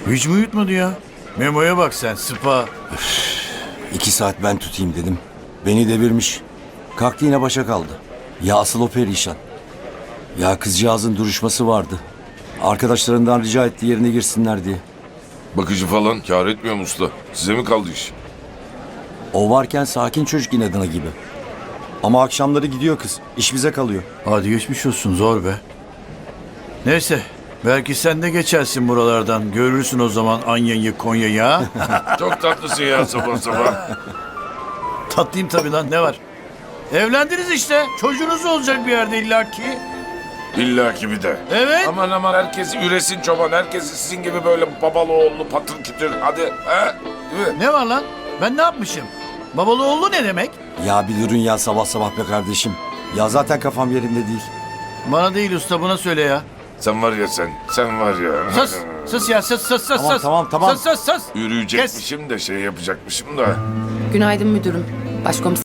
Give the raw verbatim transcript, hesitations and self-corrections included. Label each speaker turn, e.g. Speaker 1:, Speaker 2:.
Speaker 1: Hiç mi uyutmadı ya? Memo'ya bak sen, sıpa.
Speaker 2: İki saat ben tutayım dedim. Beni devirmiş. Kalktı yine başa kaldı. Ya asıl o perişan. Ya kızcağızın duruşması vardı. Arkadaşlarından rica etti yerine girsinler diye.
Speaker 3: Bakıcı falan kâr etmiyor mu usta? Size mi kaldı iş?
Speaker 2: O varken sakin çocuk inadına gibi. Ama akşamları gidiyor kız. İş bize kalıyor.
Speaker 1: Hadi geçmiş olsun, zor be. Neyse, belki sen de geçersin buralardan. Görürsün o zaman Anya'yı, Konya'yı ha.
Speaker 3: Çok tatlısın ya sabah sabah.
Speaker 1: Tatlıyım tabii lan, ne var? Evlendiniz işte. Çocuğunuz olacak bir yerde illaki.
Speaker 3: İlla ki bir de.
Speaker 1: Evet.
Speaker 3: Aman aman herkes üresin çoban. Herkes sizin gibi böyle babalı oğullu patır kütür. Hadi. He? Değil mi?
Speaker 1: Ne var lan? Ben ne yapmışım? Babalı oğlu ne demek?
Speaker 2: Ya bir durun ya sabah sabah be kardeşim. Ya zaten kafam yerinde değil.
Speaker 1: Bana değil usta, buna söyle ya.
Speaker 3: Sen var ya sen. Sen var ya.
Speaker 1: Sus, sus ya, sus, sus, sus,
Speaker 2: Tamam,
Speaker 1: sus.
Speaker 2: tamam, tamam.
Speaker 1: Sus, sus, sus.
Speaker 3: Yürüyecekmişim de şey yapacakmışım da.
Speaker 4: Günaydın müdürüm. Başkomiserim.